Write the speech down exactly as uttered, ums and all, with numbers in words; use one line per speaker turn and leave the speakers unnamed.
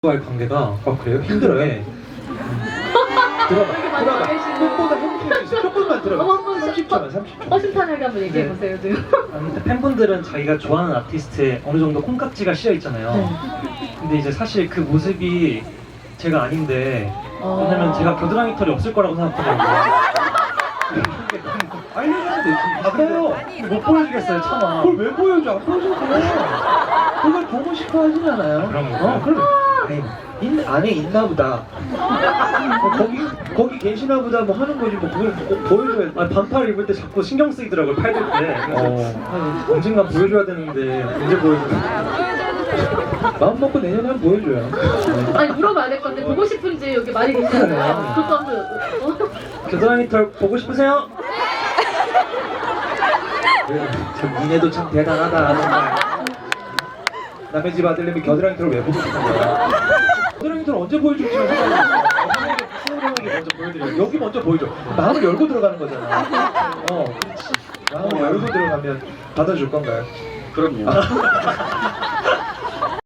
와의 관계가 아 그래요? 힘들어요? 들어봐 들어봐 꽃보다 행복해질 수 있어. 조금만 들어봐
어머, 어머,
삼십 초만 삼십 초
허심탄회하게 한번 얘기해보세요 지금.
아무튼 팬분들은 자기가 좋아하는 아티스트에 어느 정도 콩깍지가 씌어 있잖아요.
네.
근데 이제 사실 그 모습이 제가 아닌데
어...
왜냐면 제가 겨드랑이 털이 없을 거라고 생각하거든요.
알려줘야 되지
아까요 못 보여주겠어요 차마.
그걸 왜 보여줘? 안 보여줘도 돼 그걸 보고 싶어 하진 않아요.
그런
어 그럼 아니 인, 안에 있나 보다 어, 거기 거기 계시나 보다 뭐 하는 거지 뭐 그걸 꼭 보여줘야 돼.
아, 반팔 입을 때 자꾸 신경 쓰이더라고요 팔 들 때.
어.
아, 언젠간 보여줘야 되는데 언제 보여주나.
마음 먹고 내년에 한번 보여줘요.
아니 물어봐야 될 건데 보고 싶은지 여기 많이 계시잖아요. 그거 한번 어?
겨드랑이 털 보고 싶으세요?
참 니네도 참 대단하다 정말. 남의 집 아들님이 겨드랑이 털을 왜 보고 싶은 거야? 겨드랑이 털 언제 보여줄지 생각해봤어. 수영장에게 먼저 보여드려. 여기 먼저 보여줘. 마음을 열고 들어가는 거잖아. 어, 그렇지. 마음을 열고 들어가면 받아줄 건가요?
그럼요.